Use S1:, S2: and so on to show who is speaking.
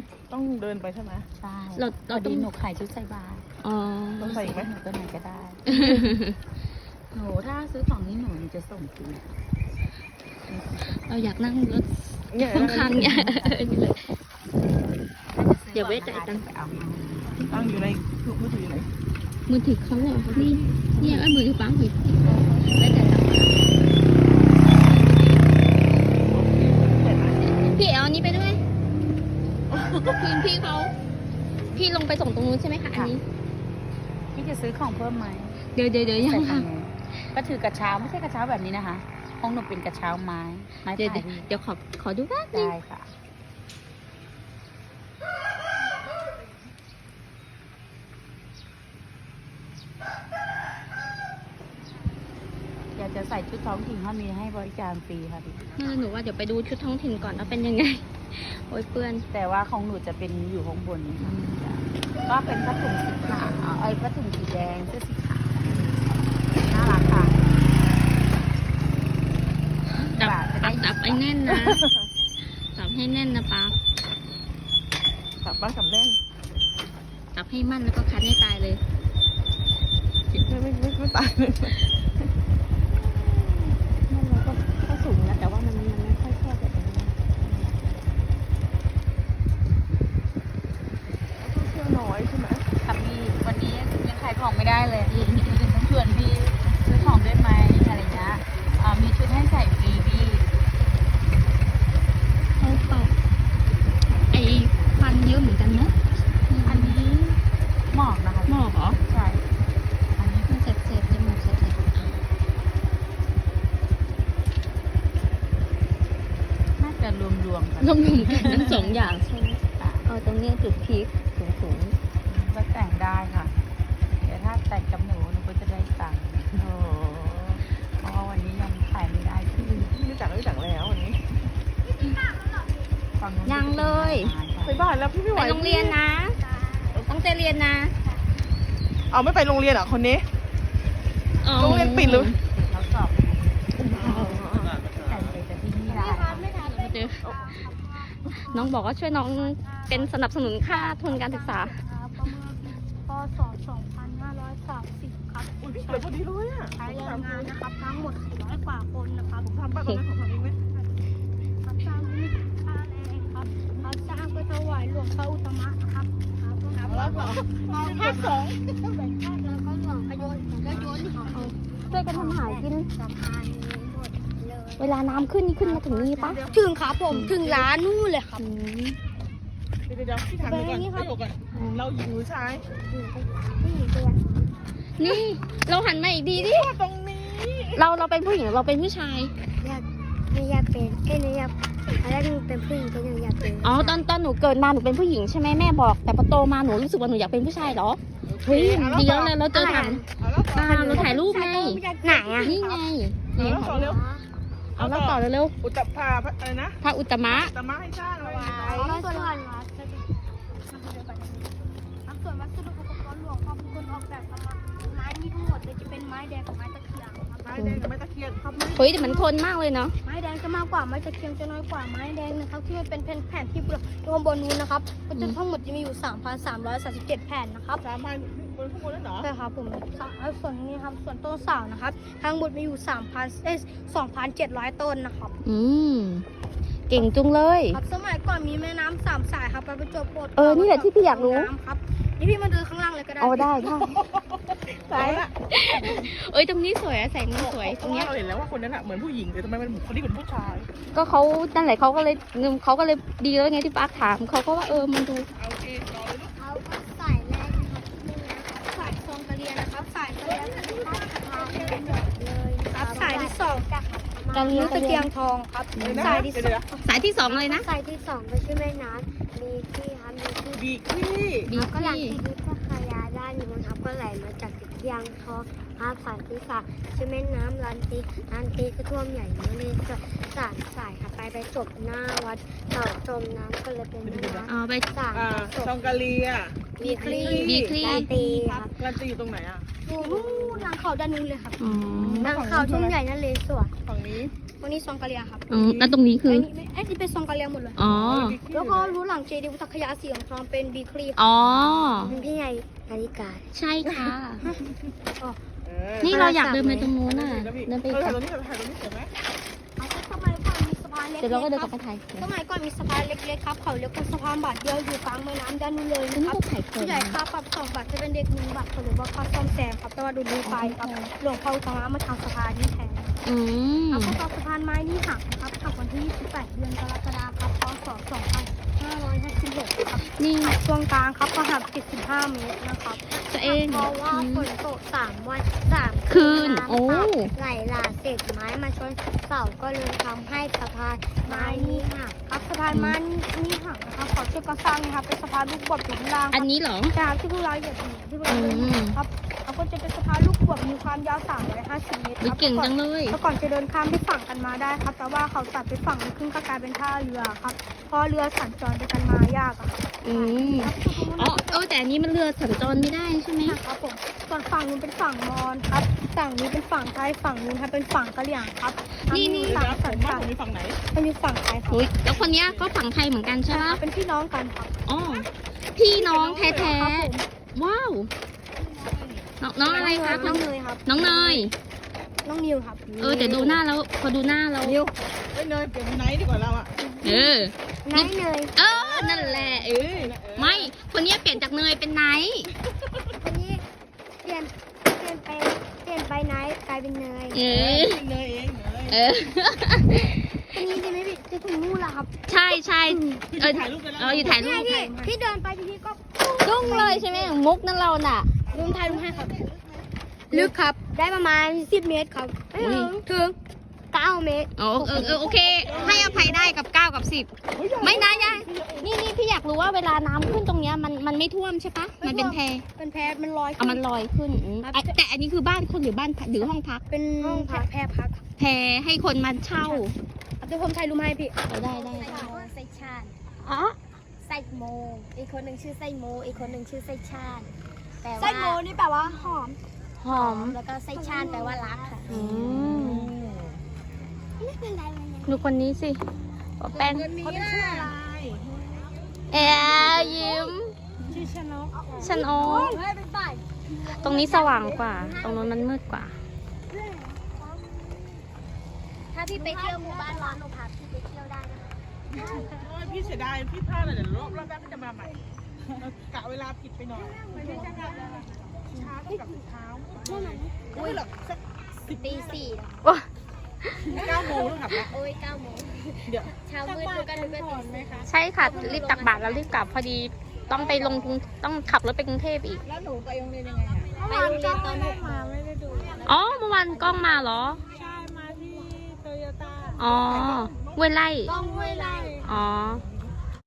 S1: ต้องเดินไปใช่ไหม
S2: ใช่
S3: เราต้อง
S2: หนูขายชุดใส่บาตร
S3: อ๋อ
S1: ต้องใส่อีกไหม
S2: หนูตัวไหนก็ได้ หนูถ้าซื้อของนี้หนูจะส่งฟรี
S3: เราอยากนั่งรถ
S1: เนี่ย
S3: ข้างๆเนี่ยนี่เลย เดี๋ยวไว้จ่ายตังค์
S2: ไปเอามา
S1: ตั้งอยู่ในมือถือไหน
S3: มือถือเขาเหรอนี่เนี่ยมือถือป้าหุยไว้จ่ายตังค์พี่เอาอันนี้ไปด้วยคืนพี่เขาพี่ลงไปส่งตรงนู้นใช่ไหมคะอันนี้
S2: พี่จะซื้อของเพิ่มไหม
S3: เดี๋ยวยัง
S2: ใส่
S3: ค่ะ
S2: ทางนู้นก็ถือกระเช้าไม่ใช่กระเช้าแบบนี้นะคะของหนูเป็นกระเช้าไม้ไม้
S3: เดี๋ยว
S2: ไผ่
S3: เดี๋ยวขอดูแป๊บนึง
S2: ได้ค่ะ อยากจะใส่ชุดท้องถิ่นเขามีให้บริการฟรีค่ะพี่
S3: นั่นแหละหนูว่าเดี๋ยวไปดูชุดท้องถิ่นก่อนว่าเป็นยังไง โอ้ยเปื้อน
S2: แต่ว่าของหนูจะเป็นอยู่ข้างบนนี่ค่ะก็เป็นผ้าถุงสีขาวผ้าถุงสีแดงเสื้อสีขาวน่ารักค่ะ
S3: จับไอ้แน่นนะจับให้แน่นนะป้า
S1: ขับบ้านขับแน่น
S3: จับให้มั่นแล้วก็คัดให้ตายเลย
S1: ไม่ตายเลย
S3: นั่นเราก็สูงนะแต่ว่ามันไม่ค่อยแคบแบบนี้
S1: เที่ยวน้อยใช่ไหม
S2: ค่ะพี่วันนี้ยังขายของไม่ได้เลยต้องชวนพี่ซื้อของด้วยไหมอะไรเงี้ยมีชุดให้ใส่ฟรีพี่
S3: เขาเป่าไอ้ควันเยอะเหมือนกันเนาะ
S2: อันนี้หมอกนะคะ
S3: หมอกเหรอ
S2: ใช่อันนี้
S3: มันเสพจมูกเสพ
S2: น่าจะรวมๆกัน
S3: รวมๆกันทั้งสองอย่างใช่ไหมตรงนี้จุดพีคสูง
S2: ก็แต่งได้ค่ะแต่ถ้าแต่งกับหนูก็จะได้ตังค์
S1: อ๋อ
S2: เพราะว่าวันนี้ยังขายไม่ได้ที่
S1: รู้จักแล้ววันนี้
S2: ฝั่งนู้น
S3: ยังเลย
S1: ไปบ้านแล้วพี่ไม่ไห
S3: ไป
S1: ว
S3: โรงเรียนนะตั้งใจเรียนนะ
S1: เอาไม่ไปโรงเรียนเหรอคนนี้ โรงเรียนปิดหรือ
S2: เขาสอบแต่งแต่ที่นี่ได้
S3: เจอน้องบอกว่าช่วยน้องเป็นสนับสนุนค่าทุนการศึกษา
S4: พศ 2530 ครับ
S1: อุ้ยพี่เหลือพอดีเลยอ่ะ
S4: ใช้แรงงานนะครับ ทั้งหมด400 กว่าคนนะครับ
S1: ผมทำบ้านตรงนั้นของทำเองไหม
S4: รับจ้างไม่คิดค่าแรงครับรับจ้างไปถวายหลวงพระอุตตมะนะครับครับแล้วก็ภาค2เป็นภาคแล้วก็หลวงพระยนต์ก็ยนต์ของ
S3: ช่วยกันทำหากิน
S4: สะพานนี้หมดเลย
S3: เวลาน้ำขึ้นนี่ขึ้นมาถึงนี่ปะ
S4: ถึงครับผมถึงร้านนู่นเลยครับ
S1: เดี๋ยวพี่ถามหนูก่อนพี่บอกก่อนเราหญิงหรือชาย
S4: ผู้หญิงตัว
S3: นี่เราหันมาอีกทีดิ
S1: ตรงนี้
S3: เราเป็นผู้หญิงหรือเราเป็นผู้ชาย
S4: ไม่อยากเป็นหนูอยากอะไรหนูเป็นผู้หญิงก็ยังอยากเป็น
S3: อ๋อตอนหนูเกิดมาหนูเป็นผู้หญิงใช่ไหมแม่บอก แต่พอโตมาหนูรู้สึกว่าหนูอยากเป็นผู้ชายเหรอ เฮ้ยดีแล้วเลยเราเจอถัง
S1: เอาแล้วต่อ
S3: เราถ่ายรูปไง
S4: ไหนอ่ะ
S3: นี่ไง
S1: เอา
S3: นี่
S1: แล้วต่อเร็ว
S3: เอาเราต่อเร็ว
S1: อุตตภาอะไรนะ
S3: ๆพระอุตตมะ
S1: ตมะให้สร้างอะไร
S4: ส่วนวัดส่วนวัสดุอุปกรณ์หลวงพ่อเป็นคนออกแบบครับไม้มีทั้งหมดเลยจะเป็นไม้แดงกับไม้ตะเคียนครับ
S1: ไม้แดงกับไม้ตะเคียนครับ
S3: เฮ้ยแต่มันทนมากเลยเนาะ
S4: ไม้แดงจะมากกว่าไม้ตะเคียนจะน้อยกว่าไม้แดงนะครับที่มันเป็นแผ่นที่อยู่ข้างบนนู้นนะครับก็จะทั้งหมดจะมีอยู่ 3,337 แผ่นนะครับ
S1: 3,000บนข้างบนแล้วเหรอ
S4: ใช่ครับผมส่วนนี้ครับส่วนต้นเสานะครับทั้งหมดมีอยู่ 2,700 ต้นนะครับ
S3: อืมเก่งจุงเลย
S4: ครับสมัยก่อนมีแม่น้ำ3 สายครับไปประจวบโบสถ์
S3: นี่แหละที่พี่อยากรู้
S4: น้ำครับนี่พี่มาดูข้างล่างเลยก็ได้
S3: เอาได้
S1: ตายละ
S3: เอ้ยตรงนี้สวยอะแสงมันสวย
S1: เพ
S3: ตรง
S1: ราะ
S3: เนี้
S1: ว่าย เราเห็นแล้วว่าคนนั้นอะเหมือนผู้หญิงแต่ทำไมมันคนนี้เหมือนผู้ชาย
S3: ก็เขานั่นแหละเขาก็เลยดีแล้วไงที่ปาร์คถามเขาก็ว่ามันดู
S1: เอาโอเคต่อเลยลูก
S4: เขาก็ใส่แรกนะครับใส่ซองกระเรียนนะครับใส่กระเรียนเลยครับใส่ที่สองกับนิ้วตะเกียงทองครับใส่ที่สอง
S3: สายที่สองเลยนะ
S4: ใส่ที่สองก็ชื่อแม่น้ำมีที่ครับมีที่
S1: บีกี้
S3: บี
S4: ก็หลัง
S3: ที่
S4: ที่นี้พระคายาด้านนี้นะครับก็ไหลมาจากตะเกียงทองครับสายที่สามชื่อแม่น้ำลันตีก็ท่วมใหญ่เมื่อเลยสายค่ะไปจบหน้าวัดเต่าจมน้ำก็เลยเป็นแม่น้ำ
S3: เอาไป
S4: สาม
S1: ชองกาลีอะ
S4: บีคลี
S3: บีคลี
S4: ลาตีครับ
S1: การันตีอยู่ตรงไหนอะ
S4: ดูนู่นหลังเขาด้านนู้นเลยครับ
S3: อ๋อ
S4: หลังเขาทุ่งใหญ่นั่นเลยสวน
S1: ฝั่งนี้
S4: วันนี้ซองกะเลียครับ
S3: แล้วตรงนี้คือ
S4: ไอ้นี่เป็นซองกะเลียหมดเลย
S3: อ๋อ
S4: แล้วก็รู้หลังเจดีย์วุฒคยาสีของทองเป็นบีคลี
S3: อ๋อ
S4: เป็นพี่ใหญ่นาฬิกา
S3: ใช่ค่ะ
S1: เออ
S3: นี่เราอยากเดินไปตรงนู้นน่ะ เดินไป
S1: เออ
S3: อีก
S1: ถ่ายตรงนี้ถ่ายตรงนี้เห็นไหม
S4: เอาสมัยก่อนมีสะพานเล็ก
S3: เดี๋ยวเราก็เดินกลับไปถ่าย
S4: สมัยก่อนมีสะพานเล็กๆครับเขาเรียกว่าสะพานบาทเดียวอยู่กลางแม่น้ำด้านนู้นเลย
S3: นี่
S4: นะครับ
S3: ก็ถ่ายคน
S4: ผู้ใหญ่ค่าปรับ2 บาทจะเป็นเด็ก1 บาทเขาเรียกว่าค่าซ่อมแซมครับแต่ว่าดูไปครับหลวงพ่ออุตมะมาทำสะพานนี้แทน
S3: อืม
S4: ครับพอสะพานไม้นี่หักครับหักวันที่28 เดือนกรกฎาคมครับพศ 2556ครับ
S3: นี่
S4: ช่วงกลางครับก็หัก75 เมตรนะครับ
S3: ตัวเอง
S4: เพราะว่าฝนตก3 วัน3
S3: คืน
S4: ำ
S3: โอ้
S4: ไหลหลากเศษไม้มาชนเสาก็เลยทำให้สะพานไม้นี่หักครับสะพานไม้นี่หักนะครับขอช่วยก่อสร้างนะครับเป็นสะพานลูกบวบอยู่ข้างล่าง
S3: อันนี้เหรอ
S4: จากที่พวกเราเหยียบอยู่ที่พวกเราเดินอยู่ครับแล้วก็จะเป็นสะพานลูกบวบมีความยาว350 เมตรค
S3: วิ
S4: รับ
S3: เก่งจังเลย
S4: เมื่อก่อนจะเดินข้ามไปฝั่งกันมาได้ครับ แต่ว่าเขาตัดไปฝั่งนึงครึ่งก็กลายเป็นท่าเรือครับเพราะเรือสัญจรไปกันมายากอะครับ
S3: อืมอ๋อแต่อันนี้มันเรือสัญจรไม่ได้ใช่ไหม
S4: ครับผมส่วนฝั่งนู้นเป็นฝั่งมอญครับฝั่งนี้เป็นฝั่งไทยฝั่งนู้นครับเป็นฝั่งกะเหรี่ยงครับ
S1: นี่
S4: ฝั่ง
S1: นะผ
S4: สัญ
S1: มว่า
S4: จร
S1: ผมมีฝั่งไหน
S4: มันมีฝั่งไทยครับ
S3: อุ๊ยแล้วคนเนี้ยก็ฝั่งไทยเหมือนกันใช่ปะ
S4: เป็นพี่น้องกันครับ
S3: อ๋อ พี่น้องแท้
S4: ครับผม
S3: ๆ ว้าว น้องอะไรคะ
S4: น้องเนยครับ
S3: น้องเนย
S4: น้องนิวครับ
S3: แต่ดูหน้าแล้ว พอดูหน้าเรา
S4: นิว
S1: เอ้ยเนยเปลี่ยนเป็นไหนดีกว่าเราอ่ะ
S3: เออ
S4: นายเนย
S3: นั่นแหละไม่ คนเนี้ยเปลี่ยนจากเนยเป็นไนท์
S4: คนนี้เปลี่ยนไปนายกลายเป็นเนย
S3: เออ
S1: เนยเองเนย
S3: เออ
S4: คนนี้จะไม่ผิดจะถึงนู่นละครับ
S3: ใช่ใช่
S1: พี่
S3: เออ
S1: ถ่ายรูปไปแล้ว
S3: อยู่ถ่ายรูป
S4: พี่เดินไปทีก็
S3: ดุ้งเลยใช่ไหมมุกนั่นเราน่ะ
S4: ลุงถ่ายลุงให้ครับ ลึกครับ ได้ประมาณ10 เมตรครับถึง9 เมตร
S3: โอเค ให้อภัยได้กับ9กับ10ไม่นะยายนี่พี่อยากรู้ว่าเวลาน้ำขึ้นตรงเนี้ยมันไม่ท่วมใช่ปะมันเป็นแพ
S4: เป็นแพมันลอย
S3: เอามันลอยขึ้นแต่อันนี้คือบ้านคนหรือบ้านหรือห้องพัก
S4: เป็นห้องพักแพรพัก
S3: แพให้คนมาเช่า
S4: เดี๋ยวผมถ่ายรูปให้พี่
S3: ได้
S4: ไซชาญ
S3: อ๋อ
S4: ไซโมอีกคนหนึ่งชื่อไซโมอีกคนหนึ่งชื่อไซชาญไซโมนี่แปลว่าหอม
S3: หอม
S4: แล้วก็ไซชาญแปลว่ารักค่ะ ไม่เป็นไรเลย
S3: ดูคนนี้สิแป้น
S1: เขาจะชื่ออะไร
S3: ยิ้ม
S4: ชื่อชนก
S3: ฉันโอ้
S4: เฮ้ยเป็นฝ่าย
S3: ตรงนี้สว่างกว่า ตรงนู้นมันมืดกว่า
S4: ถ้าพี่ไปเที่ยวหมู่บ้านร้อนหนูพาพี่ไปเที่ยวได้นะคะ
S1: โอ้ยพี่เสียดายพี่พลาดเลยเดี๋ยวรอบหน้าก็จะมาใหม่กะเวลาผิดไปหน่อยช้าต้องกลับเช้าอุ้ยหรอกสัก
S4: ตี 4
S1: 9 โมงต้องกลับแล้ว
S4: โอ้ย9 โมง
S1: เดี๋ยว
S4: เช้ามืดดูกันถึงตี 4
S3: ใช่ค่ะ รีบตักบาตรแล้วรีบกลับพอดีต้องไปลงกรุงต้องขับรถไปกรุงเทพอีก
S1: แล้วหนูไปโรงเรียนยังไงอ่ะ
S4: ไปโรงเรียนตอน6 โมง
S3: อ๋อเมื่อวานกล้องมาเหรอ
S1: ใช่มาที่โตโยต้า
S3: อ๋อเวยไล่
S4: ต้องห้วยไร่
S3: อ๋อ
S1: เ